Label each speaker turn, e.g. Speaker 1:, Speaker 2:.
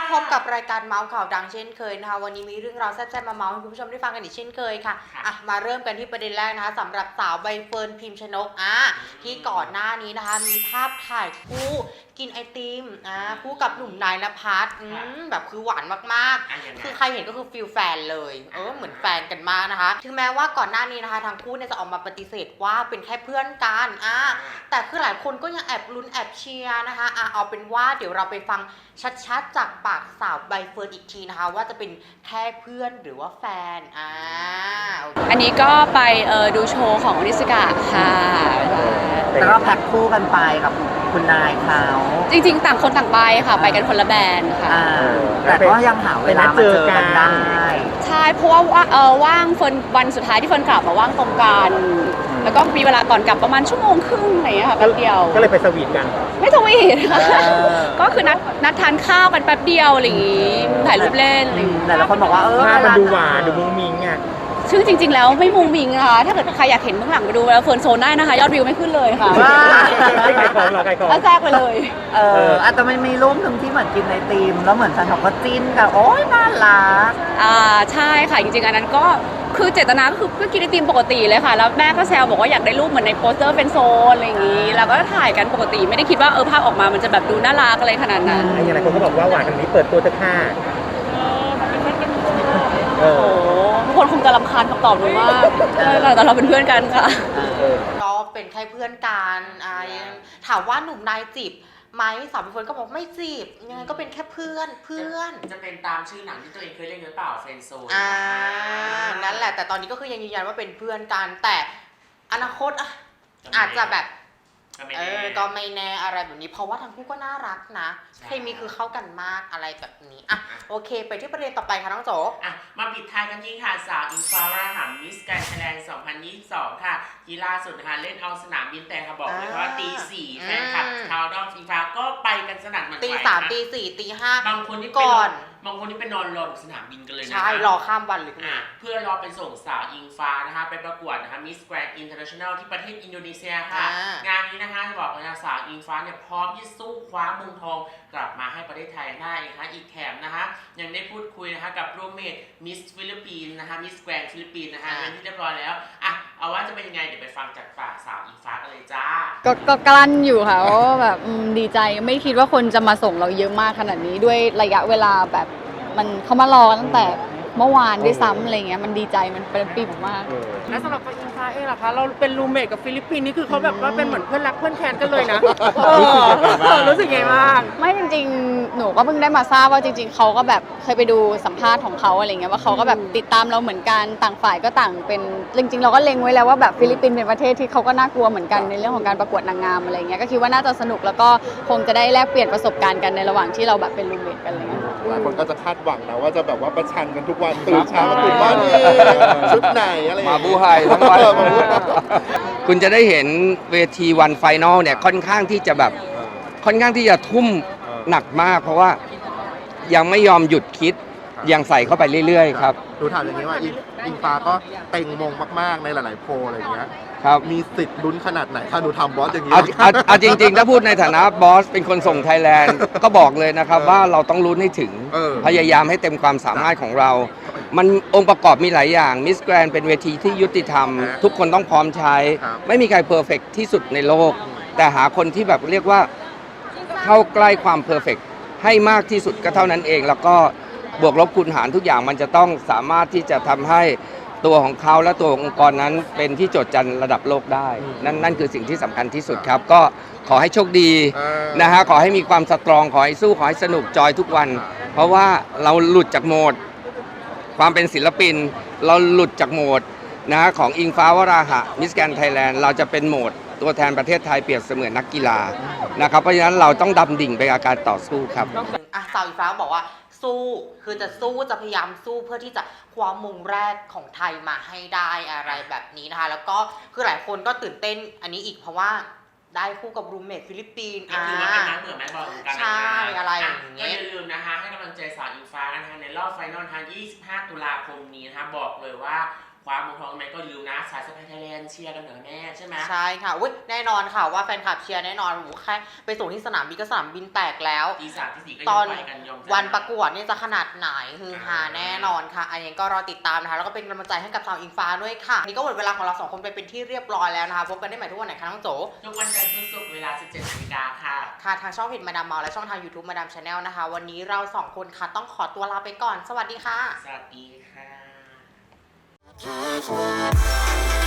Speaker 1: พบกับรายการเมาส์ข่าวดังเช่นเคยนะคะวันนี้มีเรื่องราวแซ่บๆมาเมาส์ให้คุณผู้ชมได้ฟังกันอีกเช่นเคยค่ะมาเริ่มกันที่ประเด็นแรกนะคะสำหรับสาวใบเฟิร์นพิมชนกที่ก่อนหน้านี้นะคะมีภาพถ่ายคู่กินไอติมคู่กับหนุ่มนายณภัสแบบคือหวานมากๆคือใครเห็นก็คือฟิลแฟนเลยเหมือนแฟนกันมากนะคะถึงแม้ว่าก่อนหน้านี้นะคะทั้งคู่เนี่ยจะออกมาปฏิเสธว่าเป็นแค่เพื่อนกันแต่คือหลายคนก็ยังแอบลุ้นแอบเชียร์นะคะเอาเป็นว่าเดี๋ยวเราไปฟังชัดๆจากปากสาวใบเฟิร์นอีกทีนะคะว่าจะเป็นแค่เพื่อนหรือว่าแฟน
Speaker 2: อันนี้ก็ไปดูโชว์ของนิสกาค่ะ
Speaker 3: แล้วก็แพ็คคู่กันไปกับคุณนายเขา
Speaker 2: จริงๆต่างคนต่างไปค่ะไปกันคนละแบรนด์ค่ะ
Speaker 3: แต่ก็ยังหาเวลามาเจอกันได้
Speaker 2: ใช่เพราะว่าว่างเฟิร์นวันสุดท้ายที่เฟิร์นกลับมาว่างตรงกันแล้วก็มีเวลาก่อนกลับประมาณชั่วโมงครึ่งอะไรอย่างเงี้ยค่ะแป๊บเดียว
Speaker 4: ก็เลยไปสวีทกัน
Speaker 2: ไม่สวีทค่ะก็คือนัดทานข้าวกันแป๊บเดียวอะไรอย่างงี้ถ่ายรูปเล่นอะไรอย่างงี้
Speaker 3: แต่ละคนบอกว่า
Speaker 4: ภาพมันดูหวานดูมุ้งมิ้งอ่ะ
Speaker 2: ซึ่งจริงๆแล้วไม่มุงมิงนะคะถ้าเกิดใครอยากเห็นเบื้องหลังไปดูแล้วเฟิร์นโซนได้นะคะยอดวิวไม่ขึ้นเลยค่ะ
Speaker 4: ใครของเราใครของ
Speaker 2: แล้วแทรกไปเลย
Speaker 3: แต่มันมีรูปหนึ่งที่เหมือนกินไอติมแล้วเหมือนแฟนคลับก็จิ้นกันโอ๊ยน่ารัก
Speaker 2: ใช่ค่ะจริงๆอันนั้นก็คือเจตนาก็คือก็กินไอติมปกติเลยค่ะแล้วแม่ก็แซวบอกว่าอยากได้รูปเหมือนในโปสเตอร์เป็นโซนอะไรอย่างนี้แล้วก็ถ่ายกันปกติไม่ได้คิดว่าภาพออกมามันจะแบบดูน่ารักอะไรขนาดนั้น
Speaker 4: อย่างไรคนก็บอกว่าหวานกันนี้เปิดตัวจะฆ่า
Speaker 2: ทุกคนคงจะรำคาญคำตอบหนูมากแต่เราเป็นเพื่อนกันค่ะ
Speaker 1: ก็เป็นแค่เพื่อนกันถามว่าหนุ่มนายจีบไหมสาวใบเฟิร์นก็บอกไม่จีบยังไงก็เป็นแค่เพื่อน
Speaker 5: จะเป็นตามชื่อหนังที่ตัวเองเคยเล่นหรือเปล่าเฟรนด์โซน
Speaker 1: นั่นแหละแต่ตอนนี้ก็คือยังยืนยันว่าเป็นเพื่อนกันแต่อนาคตอาจจะแบบก็ไม่แน่อะไรแบบนี้เพราะว่าทั้งคู่ก็น่ารักนะเคมีคือเข้ากันมากอะไรแบบนี้โอเคไปที่ประเด็นต่อไปค่ะน้องโจ
Speaker 5: มาปิดท้ายกันที่ค่ะสาวอิงฟ้าวราหะมิสแกรนด์ไทยแลนด์ 2022 ค่ะที่ล่าสุดนะคะเล่นเอาสนามบินแต่ค่ะบอกเลยว่าตี 4แฟนคลับชาวดอมอิงฟ้าก็ไปกันสนั่นหวั่นไหว
Speaker 1: ตี 3 ตี 4 ตี 5
Speaker 5: บางคนที่ก่อนบางคนที่ไปนอนรอสนามบินกันเลยนะ
Speaker 1: ใช่รอข้ามวันเลย
Speaker 5: เพื่อรอไปส่งสาวอิงฟ้านะคะไปประกวดนะคะมิสแกรนด์อินเตอร์เนชั่นแนลที่ประเทศอินโดนีเซียค่ะงานนี้นะคะจะบอกเลยนะสาวอิงฟ้าเนี่ยพร้อมที่สู้คว้ามงทองกลับมาให้ประเทศไทยได้นะคะอีกแถมนะคะยังได้พูดคุยนะคะกับรูมเมทมิสฟิลิปปินส์นะคะมิสแกรนด์ฟิลิปปินส์นะคะเป็นที่เรียบร้อยแล้วเอาว่าจะเป็นยังไงเดี๋ยวไปฟังจากปากสาวอิงฟ้ากันเลยจ้า
Speaker 2: ก็กลั้นอยู่ค่ะว่าแบบดีใจไม่คิดว่าคนจะมาส่งเราเยอะมากขนาดนี้ด้วยระยะเวลาแบบมันเขามารอตั้งแต่เมื่อวานด้วยซ้ำอะไรเงี้ยมันดีใจมันเป็นปีมาก
Speaker 6: และสำหรับตัวอิงฟ้าเองล่ะคะเราเป็นรูมเมทกับฟิลิปปินส์นี่คือเขาแบบว่าเป็นเหมือนเพื่อนรักเพื่อนแค้นกันเลยนะรู้สึกไงบ้าง
Speaker 2: ไม่จริงๆหนูก็เพิ่งได้มาทราบว่าจริงๆเขาก็แบบเคยไปดูสัมภาษณ์ของเขาอะไรเงี้ยว่าเขาก็แบบติดตามเราเหมือนกันต่างฝ่ายก็ต่างเป็นจริงๆเราก็เล็งไว้แล้วว่าแบบฟิลิปปินส์เป็นประเทศที่เขาก็น่ากลัวเหมือนกันในเรื่องของการประกวดนางงามอะไรเงี้ยก็คิดว่าน่าจะสนุกแล้วก็คงจะได้แลกเปลี่ยนประสบการณ์กันในระหว่างที่เราแบบเป็นรูมเมทกันอะไรเงี้ย
Speaker 7: หลายคนก็จะคาดหวังนะว่าจะแบบว่าประชันกันทุกวันตื่นเช้ามาตื่นบ้านชุดไหนอะไร
Speaker 8: มาบูไฮทั้งวันคุณจะได้เห็นเวทีวันไฟนอลเนี่ยค่อนข้างที่จะทุ่มหนักมากเพราะว่ายังไม่ยอมหยุดคิดยังใส่เข้าไปเรื่อยๆครับ
Speaker 7: ดูถามอย่างนี้ว่าอิงฟ้าก็เต็งมงมากๆในหลายๆโพลอะไรอย่างเงี้ย
Speaker 8: ครับ
Speaker 7: มีสิทธิ์ลุ้นขนาดไหนถ้าหนูทำบอสอย่างนี้
Speaker 8: เอาจริงๆถ้าพูดในฐานะบอสเป็นคนส่งไทยแลนด์ก็บอกเลยนะครับว่าเราต้องลุ้นให้ถึงพยายามให้เต็มความสามารถของเรามันองค์ประกอบมีหลายอย่างมิสแกรนเป็นเวทีที่ยุติธรรมทุกคนต้องพร้อมใช้ไม่มีใครเพอร์เฟกต์ที่สุดในโลกแต่หาคนที่แบบเรียกว่าเข้าใกล้ความเพอร์เฟกต์ให้มากที่สุดก็เท่านั้นเองแล้วก็บวกลบคูณหารทุกอย่างมันจะต้องสามารถที่จะทำให้ตัวของเขาและตัวองค์กรนั้นเป็นที่โจทย์จันระดับโลกได้นั่นคือสิ่งที่สำคัญที่สุดครับก็ขอให้โชคดีนะฮะขอให้มีความสตรองขอให้สู้ขอให้สนุกจอยทุกวันเพราะว่าเราหลุดจากโหมดความเป็นศิลปินเราหลุดจากโหมดนะของอิงฟ้าวราหะมิสแกรนด์ไทยแลนด์เราจะเป็นโหมดตัวแทนประเทศไทยเปรียบเสมือนนักกีฬานะครับเพราะฉะนั้นเราต้องดำดิ่งไปกับการต่อสู้ครับ
Speaker 1: สาวอิงฟ้าบอกว่าสู้คือจะสู้จะพยายามสู้เพื่อที่จะคว้ามงแรกของไทยมาให้ได้อะไรแบบนี้นะคะแล้วก็คือหลายคนก็ตื่นเต้นอันนี้อีกเพราะว่าได้คู่กับรูมเมทฟิลิปปินส์
Speaker 5: ก็คือว่าเป็นน้ำเหมือนแม่บอลกัน
Speaker 1: ใช่อะไรอย่างเงี้ย
Speaker 5: ก็อย่าลืมนะคะให้กำลังใจสาวอิงฟ้านะคะในรอบไฟนอลทาง25 ตุลาคมนี้นะคะบอกเลยว่าคว้าเมืองทองไหมก็ลืมนะสายสะพายไทยแลนด์เชียร์กันเหนือแน่ใช่ไหม
Speaker 1: ใช่ค่ะอุ๊ยแน่นอนค่ะว่าแฟนคลับเชียร์แน่นอนโอ้โหแค่ไปส่งที่สนามบินก็สนามบินแตกแล้ว
Speaker 5: ตีสามตีสี่ก็
Speaker 1: ต
Speaker 5: ยั
Speaker 1: อง น
Speaker 5: ไปกันยอมใจ
Speaker 1: วันประกวดนี่จะขนาดไหนฮือฮาแน่นอนค่ะอันนี้ก็รอติดตามนะคะแล้วก็เป็นกำลังใจให้กับสาวอิงฟ้าด้วยค่ะนี่ก็หมดเวลาของเราสองคนไปเป็นที่เรียบร้อยแล้วนะคะพบกันได้ใหม่ทุกวันไหนคะน้องโจ
Speaker 5: ทุกวันจันทร์ถึงศุกร์เวลา 17 นาฬิกาค่ะ
Speaker 1: ค่ะทางช่องเพจมาดามเมาและช่องทาง YouTube มาดามชาแนลนะคะวันนี้เราสองคนค่ะต้องขอตัวลาไปก่อนสวัสดีค่ะ
Speaker 5: สวัสดีค่ะ